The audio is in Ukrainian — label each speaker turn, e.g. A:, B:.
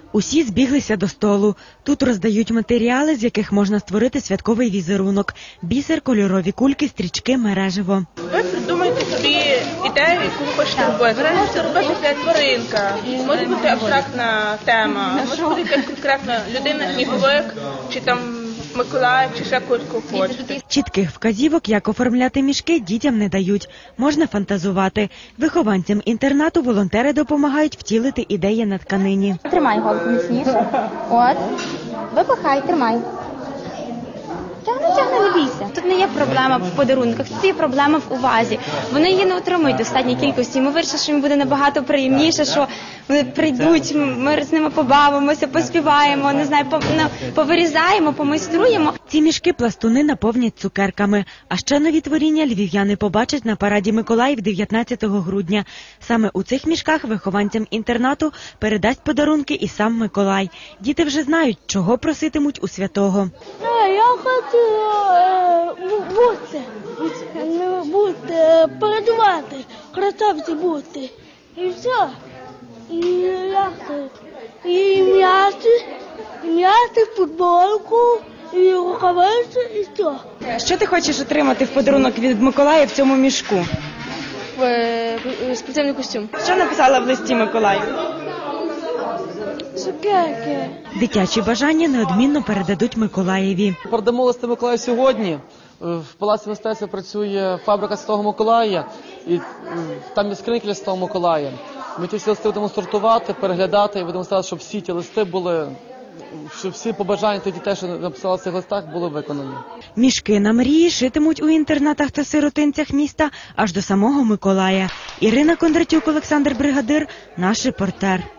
A: Усі збіглися до столу. Тут роздають матеріали, з яких можна створити святковий візерунок. Бісер, кольорові кульки, стрічки, мереживо.
B: Ви придумайте собі ідею, яку ви хочете робити. Ви можете робити для тваринка, може бути абстрактна тема, може бути якась конкретна людина, сніговик, чи там Миколаїв, чи ще когось хочете.
A: Чітких вказівок, як оформляти мішки, дітям не дають. Можна фантазувати. Вихованцям інтернату волонтери допомагають втілити ідеї на тканині.
C: Тримай голку міцніше. От. Випихай, тримай. Тягни, не бійся. Тут не є проблема в подарунках, тут є проблема в увазі. Вони її не отримують в достатній кількості. Ми вирішили, що їм буде набагато приємніше, що вони прийдуть, ми з ними побавимося, поспіваємо, не знаю, повирізаємо, помайструємо.
A: Ці мішки пластуни наповнять цукерками. А ще нові творіння львів'яни побачать на параді Миколаїв 19 грудня. Саме у цих мішках вихованцям інтернату передасть подарунки і сам Миколай. Діти вже знають, чого проситимуть у святого.
D: Я хочу передавати, красавці бути. І все. І м'яти, футболку, і рукавиці, і все.
A: Що ти хочеш отримати в подарунок від Миколая в цьому мішку?
B: Спеціальний костюм.
A: Що написала в листі Миколаю?
D: Цукерки.
A: Дитячі бажання неодмінно передадуть Миколаєві.
E: Передамо листи Миколаю сьогодні. В Палаці мистецтва працює фабрика Святого Миколая, і там є скриньки для Святого Миколая. Ми ті всі листи будемо сортувати, переглядати і будемо старатися, щоб всі ті листи були, щоб всі побажання тих дітей, що написали в цих листах, були виконані.
A: Мішки на мрії шитимуть у інтернатах та сиротинцях міста аж до самого Миколая. Ірина Кондратюк, Олександр Бригадир, наш репортер.